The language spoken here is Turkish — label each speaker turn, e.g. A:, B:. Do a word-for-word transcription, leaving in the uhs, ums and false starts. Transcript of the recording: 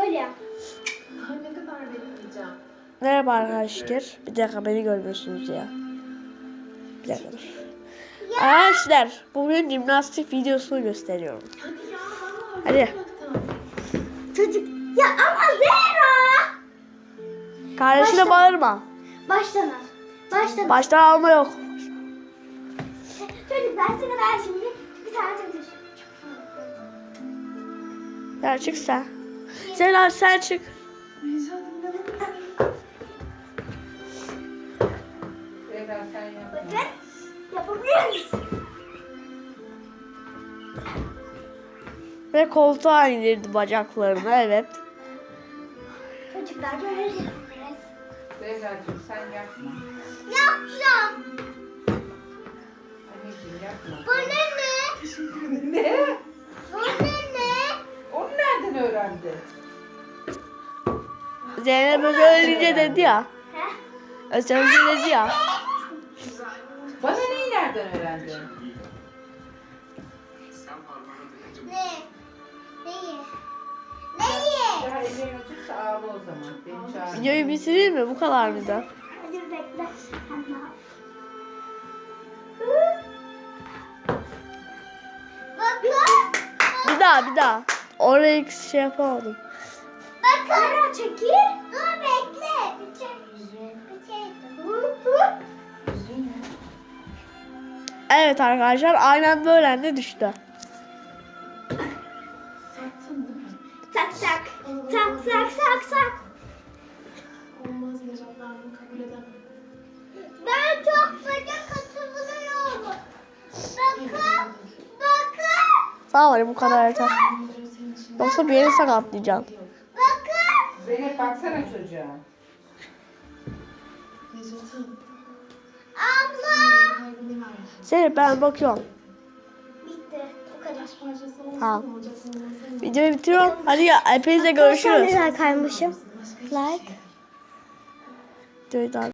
A: Böyle yap.
B: Daha ne kadar bekleyeceğim?
C: Merhaba arkadaşlar. Bir dakika beni görmüyorsunuz ya. Bir dakika dur. Arkadaşlar bugün jimnastik videosunu gösteriyorum.
B: Hadi ya vallahi.
C: Hadi.
A: Çocuk. Ya ama Zehra.
C: Kardeşine
A: Başla.
C: bağırma.
A: Baştan al. Baştan al.
C: Baştan alma yok.
A: Çocuk ben sana ben şimdi bir tane çocuk.
C: Ya çık sen. Sen, sen çık.
A: Bakın. Yapabiliyor musun?
C: Ve koltuğa indirdi bacaklarını, evet.
A: Çocuklar böyle yapıyoruz.
D: Zehra'cığım sen yapma.
A: Yapacağım.
D: Anneciğim yapma.
A: Bu ne ne?
D: Ne?
A: Bu ne ne?
D: Onu nereden öğrendi?
C: Zeynep özellikle dedi ya.
A: He?
C: Özellikle dedi ya.
D: Bana neyi nereden öğrendi?
A: Ne? Neyi? Neyi?
D: Daha ellerin açıksa ağla o zaman. Beni çağır.
C: Videoyu bitireyim mi? Bu kadar mıydı?
A: Hadi bekle. Sen ne yap? Bakın.
C: Bir daha bir daha. Orayı şey yapamadım.
A: Bakın. Ara çekil. Dur bekle. Bir çek. Bir çek. Hı hı.
C: Evet arkadaşlar aynen böyle anda düştü.
B: Sattın değil mi?
A: Tak tak. Tak tak tak tak.
B: Olmaz Necat, ben bunu kabul edemem.
A: Ben çok fazla katılıyorum. Bakın. Bakın.
C: Tamam hadi bu kadar yeter.
B: Bunları senin için
C: Yoksa bir yeri sakatlayacağım.
A: Bakın.
D: Zeynep baksana çocuğa.
B: Necat'ın
A: Abla.
B: kalbini ver.
C: Zeynep ben bakıyorum.
A: Bitti. Bu kadar.
B: Taş parçası olsun
C: Tamam.
B: mu olacak mı olmasın mı?
C: Videoyu bitiriyorum. Hadi ya hepinize görüşürüz.
A: kaymışım? Like.
C: Videoyu da